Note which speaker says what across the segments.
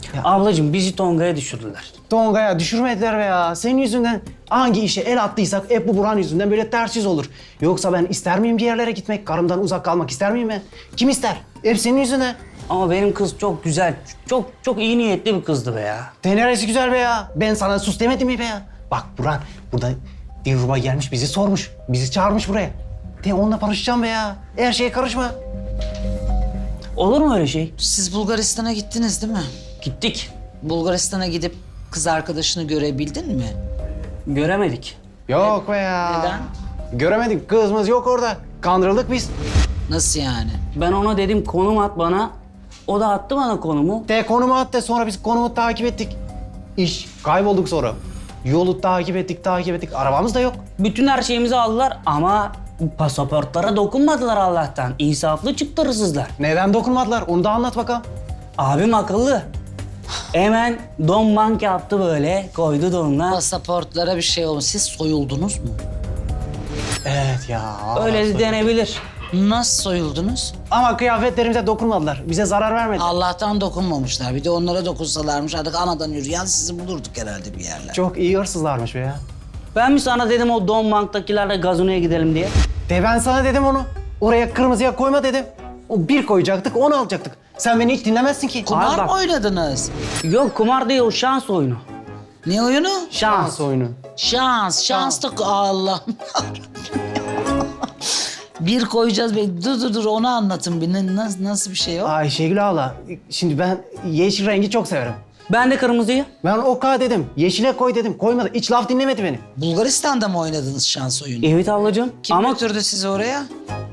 Speaker 1: Ablacığım bizi Tonga'ya düşürdüler.
Speaker 2: Tonga'ya düşürmediler be ya. Senin yüzünden hangi işe el attıysak hep bu Burhan yüzünden böyle ters yüz olur. Yoksa ben ister miyim bir yerlere gitmek? Karımdan uzak kalmak ister miyim ben? Kim ister? Hep senin yüzünden.
Speaker 1: Ama benim kız çok güzel, çok iyi niyetli bir kızdı be ya.
Speaker 2: Neresi güzel be ya. Ben sana sus demedim mi be ya? Bak Burhan burada Dilruba gelmiş bizi sormuş. Bizi çağırmış buraya. De onunla barışacağım be ya. Her şeye karışma.
Speaker 1: Olur mu öyle şey?
Speaker 3: Siz Bulgaristan'a gittiniz değil mi?
Speaker 1: Gittik,
Speaker 3: Bulgaristan'a gidip kız arkadaşını görebildin mi?
Speaker 1: göremedik.
Speaker 2: Yok be ya.
Speaker 3: Neden?
Speaker 2: Göremedik. Kızımız yok orada. Kandırıldık biz.
Speaker 3: Nasıl yani?
Speaker 1: Ben ona dedim konum at bana. O da attı bana konumu.
Speaker 2: De konumu attı. Sonra biz konumu takip ettik. İş kaybolduk sonra. Yolu takip ettik. Arabamız da yok.
Speaker 1: Bütün her şeyimizi aldılar ama pasaportlara dokunmadılar Allah'tan. İnsaflı çıktı hırsızlar.
Speaker 2: Neden dokunmadılar? Onu da anlat bakalım.
Speaker 1: Abim akıllı. Hemen don bank yaptı böyle, koydu donuna.
Speaker 3: Pasaportlara bir şey olmuş. Siz soyuldunuz mu?
Speaker 2: Evet ya.
Speaker 1: Öyle de denebilir.
Speaker 3: Nasıl soyuldunuz?
Speaker 2: Ama kıyafetlerimize dokunmadılar. Bize zarar vermediler.
Speaker 3: Allah'tan dokunmamışlar. Bir de onlara dokunsalarmış artık anadan yürüyen sizi bulurduk herhalde bir yerler.
Speaker 2: Çok iyi hırsızlarmış be ya.
Speaker 1: Ben mi sana dedim o don banktakilerle gazinoya gidelim diye?
Speaker 2: De ben sana dedim onu. Oraya kırmızıya koyma dedim. O bir koyacaktık, onu alacaktık. Sen beni hiç dinlemezsin ki.
Speaker 3: Kumar
Speaker 1: bak.
Speaker 3: mı oynadınız?
Speaker 1: Yok kumar değil o şans oyunu.
Speaker 3: Ne oyunu?
Speaker 1: Şans.
Speaker 2: oyunu.
Speaker 3: Şans da Allah. Bir koyacağız. Dur onu anlatın bir. Nasıl bir şey o?
Speaker 2: Ayşegül abla, şimdi ben yeşil rengi çok severim.
Speaker 1: Ben de kırmızıyı.
Speaker 2: Ben oka dedim, yeşile koy dedim. Koymadı, hiç laf dinlemedi beni.
Speaker 3: Bulgaristan'da mı oynadınız şans oyunu?
Speaker 1: Evet ablacığım.
Speaker 3: Kim
Speaker 1: Ama
Speaker 3: götürdü sizi oraya?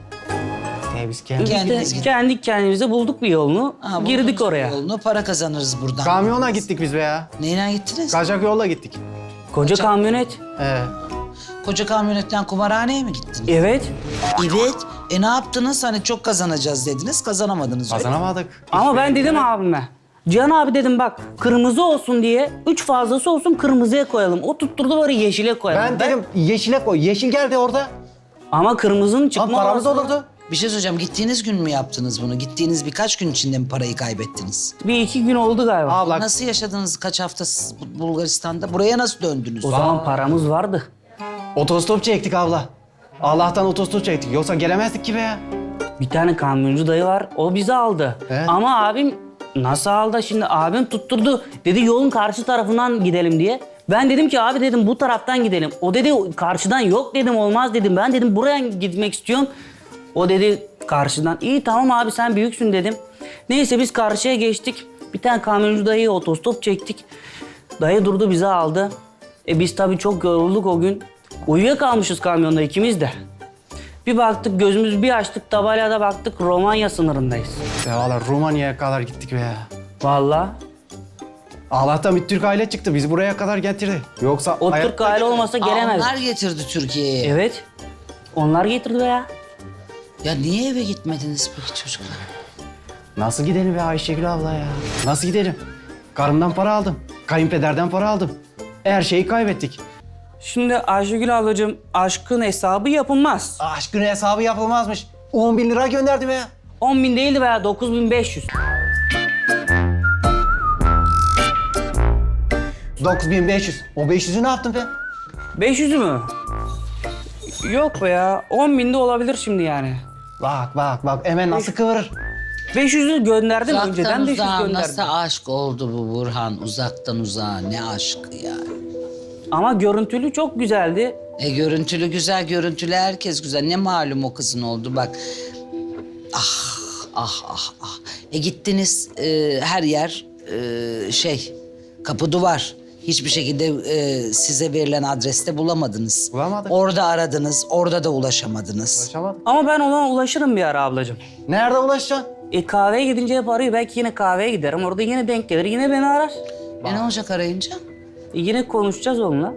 Speaker 2: Biz kendi...
Speaker 1: biz
Speaker 3: Kendiniz
Speaker 1: de
Speaker 3: gidin.
Speaker 1: kendi kendimize bulduk bir yolunu.
Speaker 3: Ha,
Speaker 1: girdik
Speaker 3: buldunuz
Speaker 1: oraya.
Speaker 3: Yolunu, para kazanırız buradan.
Speaker 2: Kamyona gittik biz be ya.
Speaker 3: Neyle gittiniz?
Speaker 2: Kaçak yolla gittik.
Speaker 1: Koca kamyonet.
Speaker 3: Koca kamyonetten kumarhaneye mi gittiniz?
Speaker 1: Evet.
Speaker 3: Evet. Ne yaptınız? Hani çok kazanacağız dediniz, kazanamadınız. öyle.
Speaker 2: Kazanamadık.
Speaker 1: Ama ben dedim abime. Cihan abi dedim bak kırmızı olsun diye 3 fazlası olsun kırmızıya koyalım. O tutturdu böyle yeşile koyalım.
Speaker 2: Ben dedim yeşile koy. Yeşil geldi orada.
Speaker 1: Ama kırmızının
Speaker 2: Ama
Speaker 1: çıkma
Speaker 2: paramız
Speaker 1: olasılığı-
Speaker 2: olurdu.
Speaker 3: Bir şey söyleyeceğim. Gittiğiniz gün mü yaptınız bunu? Gittiğiniz birkaç gün içinde mi parayı kaybettiniz?
Speaker 1: Bir iki gün oldu galiba.
Speaker 2: Abla
Speaker 3: Nasıl yaşadınız kaç hafta siz Bulgaristan'da? Buraya nasıl döndünüz?
Speaker 1: O zaman paramız vardı.
Speaker 2: otostop çektik abla. Allah'tan otostop çektik. Yoksa gelemezdik ki be ya.
Speaker 1: Bir tane kamyoncu dayı var. O bizi aldı.
Speaker 2: Evet.
Speaker 1: Ama abim nasıl aldı? Şimdi abim tutturdu. Dedi yolun karşı tarafından gidelim diye. Ben dedim ki abi dedim bu taraftan gidelim. O dedi karşıdan yok dedim olmaz dedim. Ben dedim buraya gitmek istiyorum. O dedi karşıdan. İyi tamam abi sen büyüksün dedim. Neyse biz karşıya geçtik. Bir tane kamyoncu dayıya otostop çektik. Dayı durdu bizi aldı. Biz tabii çok yorulduk o gün. Uyuyakalmışız kamyonda ikimiz de. Bir baktık gözümüzü bir açtık tabelada baktık Romanya sınırındayız.
Speaker 2: Ya valla Romanya'ya kadar gittik be ya.
Speaker 1: Vallahi
Speaker 2: Allah'tan bir Türk aile çıktı. Bizi buraya kadar getirdi. Yoksa
Speaker 1: o Türk aile olmasa gelemez.
Speaker 3: Onlar getirdi Türkiye'ye.
Speaker 1: Evet. Onlar getirdi be ya.
Speaker 3: Ya niye eve gitmediniz peki çocuklar?
Speaker 2: Nasıl gidelim be Ayşegül abla ya? Nasıl gidelim? Karımdan para aldım. Kayınpederden para aldım. Her şeyi kaybettik.
Speaker 1: Şimdi Ayşegül ablacığım aşkın hesabı yapılmaz.
Speaker 2: Aşkın hesabı yapılmazmış. 10 bin lira gönderdim ya.
Speaker 1: 10.000 değildi veya 9.500.
Speaker 2: 9500. O 500'ü ne yaptın be?
Speaker 1: 500'ü mü? Yok be ya. 10.000 de olabilir şimdi yani.
Speaker 2: Bak hemen nasıl kıvırır.
Speaker 1: 500'ü gönderdim
Speaker 3: Uzaktan
Speaker 1: önceden 500
Speaker 3: uzağa
Speaker 1: gönderdim.
Speaker 3: nasıl aşk oldu bu Burhan? Uzaktan uzağa ne aşkı ya?
Speaker 1: Ama görüntülü çok güzeldi.
Speaker 3: Görüntülü güzel, görüntülü herkes güzel. Ne malum o kızın oldu bak. Ah. Gittiniz her yer kapı duvar. Hiçbir şekilde size verilen adreste bulamadınız.
Speaker 2: Bulamadık.
Speaker 3: Orada aradınız, orada da ulaşamadınız.
Speaker 2: Ulaşamadım.
Speaker 1: Ama ben ona ulaşırım bir ara ablacığım.
Speaker 2: Nerede ulaşacaksın?
Speaker 1: Kahveye gidince hep arıyor. Belki yine kahveye giderim. Orada yine denk gelir. Yine beni arar.
Speaker 3: Ne olacak arayınca?
Speaker 1: Yine konuşacağız onunla.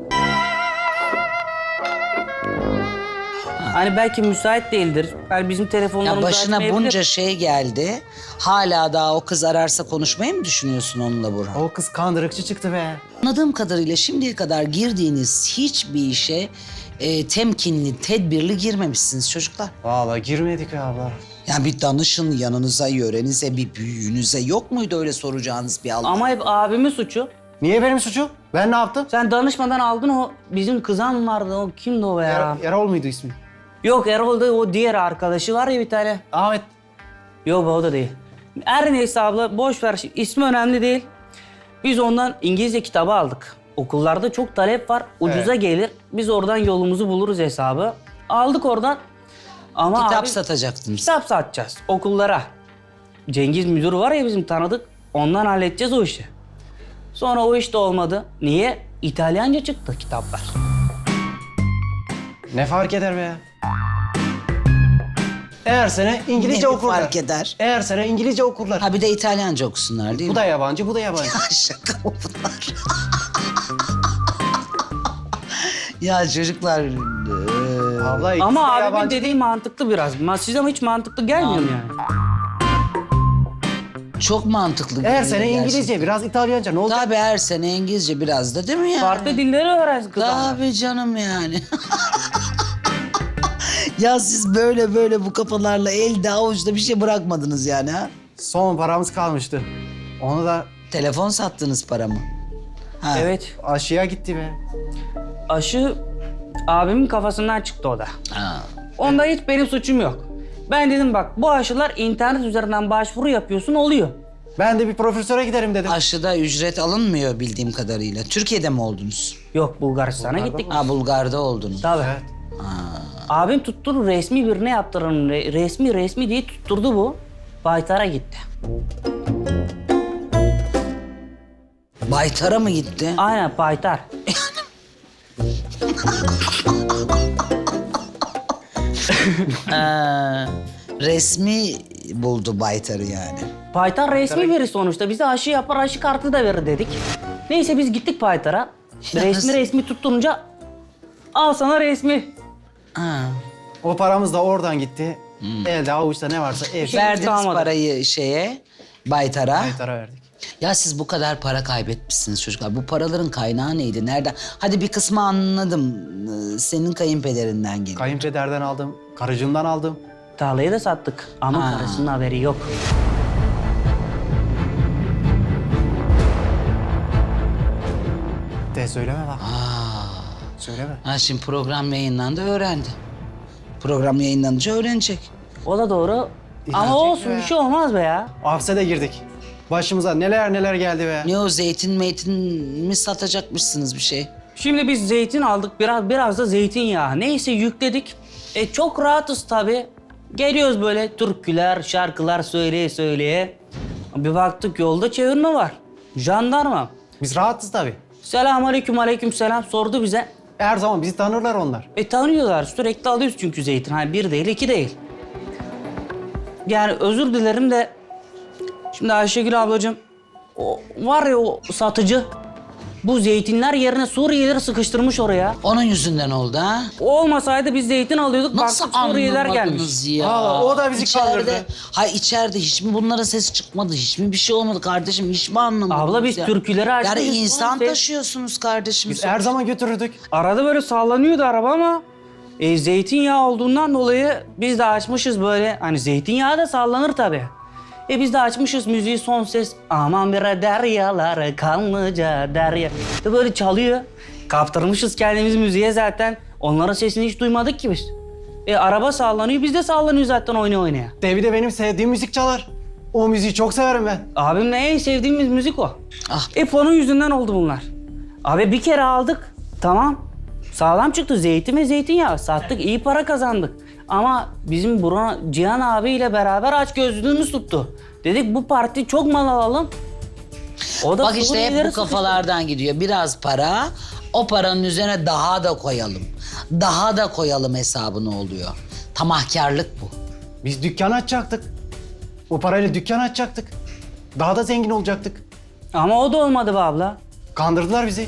Speaker 1: Hani belki müsait değildir. Yani bizim
Speaker 3: Ya
Speaker 1: telefonlarımızı
Speaker 3: başına
Speaker 1: açmayabilir.
Speaker 3: bunca şey geldi. Hala daha o kız ararsa konuşmayı mı düşünüyorsun onunla Burhan?
Speaker 2: O kız kandırıkçı çıktı be.
Speaker 3: Anladığım kadarıyla şimdiye kadar girdiğiniz hiçbir işe temkinli, tedbirli girmemişsiniz çocuklar.
Speaker 2: Vallahi girmedik be abla.
Speaker 3: Yani bir danışın yanınıza, yörenize, bir büyüğünüze yok muydu öyle soracağınız bir Allah?
Speaker 1: Ama hep abimin suçu.
Speaker 2: Niye benim suçum? Ben ne yaptım?
Speaker 1: Sen danışmadan aldın o bizim kızan vardı. O kimdi o be ya?
Speaker 2: Erol muydu ismi?
Speaker 1: Yok Erol da o diğer arkadaşı var ya bir tane.
Speaker 2: Ahmet.
Speaker 1: Yok o da değil. Her neyse abla boş ver. İsmi önemli değil. Biz ondan İngilizce kitabı aldık. Okullarda çok talep var. Ucuza gelir. Biz oradan yolumuzu buluruz hesabı. Aldık oradan. Ama
Speaker 3: Kitap
Speaker 1: abi,
Speaker 3: satacaktınız.
Speaker 1: kitap satacağız okullara. Cengiz müdürü var ya bizim tanıdık. Ondan halledeceğiz o işi. Sonra o iş de olmadı. Niye? İtalyanca çıktı kitaplar.
Speaker 2: Ne fark eder be ya? Eğer sene İngilizce
Speaker 3: Ne
Speaker 2: okurlar.
Speaker 3: fark eder?
Speaker 2: Eğer sene İngilizce okurlar.
Speaker 3: Ha bir de İtalyanca okusunlar değil
Speaker 2: Bu
Speaker 3: mi?
Speaker 2: da yabancı, bu da yabancı.
Speaker 3: Şaka mı bunlar? Ya çocuklar...
Speaker 2: Abla ikisi
Speaker 1: Ama
Speaker 2: de
Speaker 1: abimin
Speaker 2: yabancı.
Speaker 1: dediği mantıklı biraz. Size hiç mantıklı gelmiyor mu yani?
Speaker 3: Çok mantıklı.
Speaker 2: Eğer
Speaker 3: geliyor
Speaker 2: sene
Speaker 3: gerçekten.
Speaker 2: İngilizce, biraz İtalyanca ne olacak?
Speaker 3: Tabii her sene İngilizce biraz da değil mi yani?
Speaker 1: Farklı dilleri öğrensin kız. ama.
Speaker 3: Tabii canım yani. Ya siz böyle bu kafalarla elde avuçta bir şey bırakmadınız yani ha?
Speaker 2: Son paramız kalmıştı. Onu da
Speaker 3: Telefon sattınız paramı. Ha.
Speaker 1: Evet.
Speaker 2: aşıya gitti be.
Speaker 1: Aşı abimin kafasından çıktı o da.
Speaker 3: Ha.
Speaker 1: Onda hiç benim suçum yok. Ben dedim bak bu aşılar internet üzerinden başvuru yapıyorsun oluyor.
Speaker 2: Ben de bir profesöre giderim dedim.
Speaker 3: Aşıda ücret alınmıyor bildiğim kadarıyla. Türkiye'de mi oldunuz?
Speaker 1: Yok Bulgaristan'a gittik.
Speaker 3: Ha Bulgar'da oldunuz.
Speaker 1: Tabii.
Speaker 2: Evet.
Speaker 1: Abim tutturdu resmi birine yaptıralım. Resmi diye tutturdu bu. Baytar'a gitti.
Speaker 3: Baytar'a mı gitti?
Speaker 1: Aynen Baytar.
Speaker 3: Resmi buldu Baytar'ı yani.
Speaker 1: Baytar resmi biri sonuçta. Bize aşı yapar, aşı kartı da verir dedik. Neyse biz gittik Baytar'a. Resmi tutturunca al sana resmi.
Speaker 3: Ha.
Speaker 2: O paramız da oradan gitti. Elde avuçta ne varsa ev.
Speaker 1: şey
Speaker 3: Verdiniz
Speaker 1: kalmadı.
Speaker 3: parayı şeye, Baytar'a.
Speaker 2: Baytar'a verdik.
Speaker 3: Ya siz bu kadar para kaybetmişsiniz çocuklar. Bu paraların kaynağı neydi? Nereden? Hadi bir kısmı anladım. Senin kayınpederinden geliyor.
Speaker 2: Kayınpederden aldım, karıcığımdan aldım.
Speaker 1: Tarlayı da sattık ama
Speaker 3: Ha.
Speaker 1: karısının haberi yok.
Speaker 2: De söyleme bak. Söyleme.
Speaker 3: Ha şimdi program yayınlandı öğrendi. Program yayınlanınca öğrenecek.
Speaker 1: O da doğru. Ama
Speaker 2: İnanacak
Speaker 1: olsun
Speaker 2: be.
Speaker 1: bir şey olmaz be ya.
Speaker 2: Hapse de girdik. Başımıza neler geldi be.
Speaker 3: Ne o zeytin mi satacakmışsınız bir şey?
Speaker 1: Şimdi biz zeytin aldık, biraz da zeytinyağı. Neyse yükledik. Çok rahatız tabii. Geliyoruz böyle türküler, şarkılar söyleye. Bir baktık yolda çevirme var. Jandarma.
Speaker 2: Biz rahatız tabii.
Speaker 1: Selamünaleyküm, aleykümselam sordu bize.
Speaker 2: Her zaman bizi tanırlar onlar.
Speaker 1: Tanıyorlar. Sürekli alıyoruz çünkü zeytin. Hani bir değil, iki değil. Yani özür dilerim de... Şimdi Ayşegül ablacığım... O var ya o satıcı... Bu zeytinler yerine Suriyelileri sıkıştırmış oraya.
Speaker 3: Onun yüzünden oldu ha?
Speaker 1: O olmasaydı biz zeytin alıyorduk.
Speaker 3: Nasıl
Speaker 1: baktık Suriyeliler gelmiş.
Speaker 3: anlamadınız ya?
Speaker 2: Aa, o da bizi kandırdı.
Speaker 3: Hayır içeride hiç mi bunların sesi çıkmadı? Hiç mi bir şey olmadı kardeşim? Hiç mi anlamadınız
Speaker 1: Abla biz
Speaker 3: ya?
Speaker 1: türküleri açtık.
Speaker 3: Yani insan
Speaker 1: Biz-
Speaker 3: taşıyorsunuz kardeşim.
Speaker 2: Biz her zaman götürürdük.
Speaker 1: Arada böyle sallanıyordu araba ama... zeytinyağı olduğundan dolayı biz de açmışız böyle. Hani zeytinyağı da sallanır tabii. Biz de açmışız müziği son ses. Aman bre deryalar kanlıca derya. De böyle çalıyor. Kaptırmışız kendimiz müziğe zaten. Onların sesini hiç duymadık ki biz. Araba sallanıyor biz de sallanıyor zaten oynaya.
Speaker 2: Devi de benim sevdiğim müzik çalar. O müziği çok severim ben.
Speaker 1: Abimle en sevdiğimiz müzik o.
Speaker 3: Ah.
Speaker 1: Onun yüzünden oldu bunlar. Abi bir kere aldık. Tamam. Sağlam çıktı zeytin ve zeytinyağı. Sattık iyi para kazandık. Ama bizim Cihan abiyle beraber açgözlülüğümüz tuttu. Dedik bu parti çok mal alalım. O da
Speaker 3: Bak işte hep
Speaker 1: Suriyelileri
Speaker 3: bu kafalardan gidiyor. Biraz para, o paranın üzerine daha da koyalım. Daha da koyalım hesabını oluyor. Tamahkarlık bu.
Speaker 2: Biz dükkan açacaktık. O parayla dükkan açacaktık. Daha da zengin olacaktık.
Speaker 1: sıkıştırdık. Ama o da olmadı be abla.
Speaker 2: Kandırdılar bizi.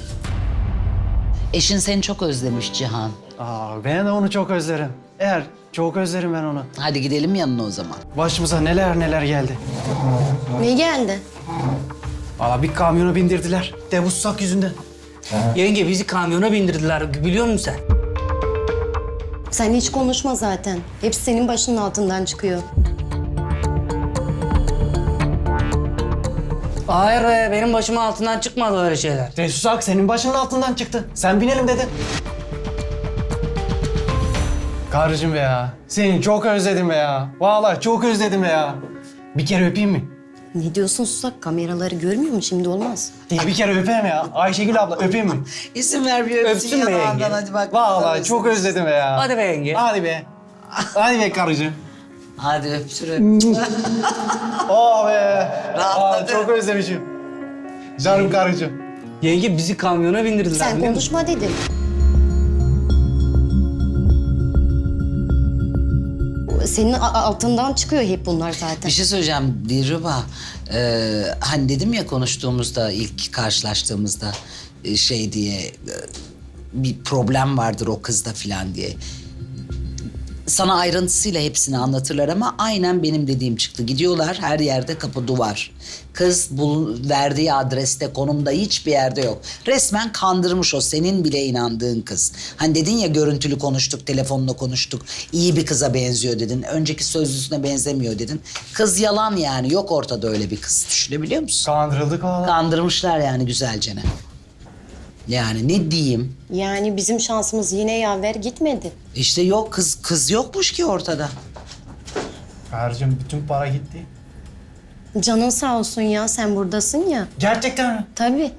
Speaker 3: Eşin seni çok özlemiş Cihan.
Speaker 2: Ben de onu çok özlerim. Çok özlerim ben onu.
Speaker 3: Hadi gidelim yanına o zaman.
Speaker 2: Başımıza neler geldi.
Speaker 4: Ne geldi?
Speaker 2: Valla bir kamyona bindirdiler. Devussak yüzünden.
Speaker 1: Yenge bizi kamyona bindirdiler biliyor musun sen?
Speaker 4: Sen hiç konuşma zaten. Hepsi senin başının altından çıkıyor.
Speaker 1: Hayır be, benim başımın altından çıkmadı öyle şeyler.
Speaker 2: Susak senin başının altından çıktı. Sen binelim dedi. Karıcığım be ya. Seni çok özledim be ya. Vallahi çok özledim be ya. Bir kere öpeyim mi?
Speaker 4: Ne diyorsun Susak? Kameraları görmüyor mu? Şimdi olmaz.
Speaker 2: Bir kere öpeyim ya. Ayşegül abla öpeyim mi?
Speaker 3: İzin ver bir öpsün
Speaker 1: Öpsün be
Speaker 3: yanağından,
Speaker 1: yenge.
Speaker 3: hadi bak.
Speaker 2: Vallahi çok özledim be ya.
Speaker 1: Hadi be yenge.
Speaker 2: Hadi be. Hadi be karıcığım.
Speaker 3: Hadi öpsün.
Speaker 2: Oh be.
Speaker 3: Rahatladı.
Speaker 2: Çok özlemişim. Canım karıcığım.
Speaker 1: Yenge bizi kamyona bindirdiler.
Speaker 4: Sen
Speaker 1: biliyor musun?
Speaker 4: konuşma dedim. Senin altından çıkıyor hep bunlar zaten.
Speaker 3: Bir şey söyleyeceğim Dilruba. Hani dedim ya konuştuğumuzda, ilk karşılaştığımızda şey diye bir problem vardır o kızda falan diye. Sana ayrıntısıyla hepsini anlatırlar ama aynen benim dediğim çıktı. Gidiyorlar, her yerde kapı duvar. Kız verdiği adreste, konumda hiçbir yerde yok. Resmen kandırmış o, senin bile inandığın kız. Hani dedin ya görüntülü konuştuk, telefonla konuştuk. İyi bir kıza benziyor dedin. Önceki sözlüsüne benzemiyor dedin. Kız yalan yani, yok ortada öyle bir kız. Düşünebiliyor musun?
Speaker 2: Kandırıldık valla.
Speaker 3: Kandırmışlar yani güzelcene. Yani ne diyeyim?
Speaker 4: Yani bizim şansımız yine yaver gitmedi.
Speaker 3: İşte yok, kız yokmuş ki ortada.
Speaker 2: Karıcığım bütün para gitti.
Speaker 4: Canın sağ olsun ya, sen buradasın ya.
Speaker 2: Gerçekten mi?
Speaker 4: Tabii.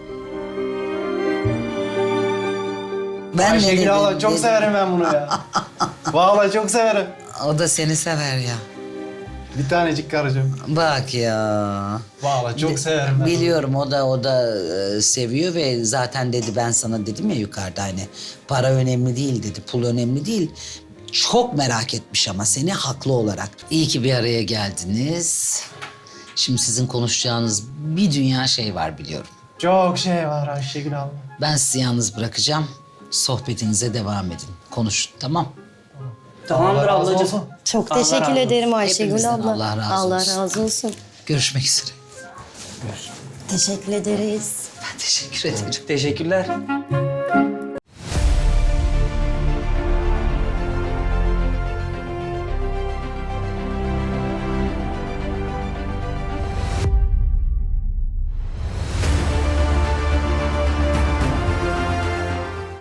Speaker 3: Ben ne
Speaker 2: Ayşegül
Speaker 3: dedim,
Speaker 2: abla çok
Speaker 3: dedim.
Speaker 2: severim ben bunu ya. Vallahi çok severim.
Speaker 3: O da seni sever ya.
Speaker 2: Bir tanecik karıcığım.
Speaker 3: Bak ya.
Speaker 2: Vallahi çok severim ben.
Speaker 3: Biliyorum o da seviyor ve zaten dedi, ben sana dedim ya yukarıda, hani para önemli değil dedi, pul önemli değil. Çok merak etmiş ama seni, haklı olarak. İyi ki bir araya geldiniz. Şimdi sizin konuşacağınız bir dünya şey var biliyorum.
Speaker 2: Çok şey var Ayşegül abla.
Speaker 3: Ben sizi yalnız bırakacağım. Sohbetinize devam edin. Konuşun, tamam?
Speaker 1: Tamamdır
Speaker 2: Allah razı
Speaker 1: ablacığım.
Speaker 2: olsun.
Speaker 4: Çok
Speaker 1: Allah
Speaker 4: teşekkür
Speaker 1: razı olsun.
Speaker 4: ederim Ayşegül
Speaker 3: Hepimizden
Speaker 4: abla.
Speaker 3: Allah razı
Speaker 4: Allah
Speaker 3: olsun.
Speaker 4: razı olsun.
Speaker 3: Görüşmek üzere.
Speaker 4: Teşekkür ederiz.
Speaker 3: Ben teşekkür ederim.
Speaker 1: Teşekkürler.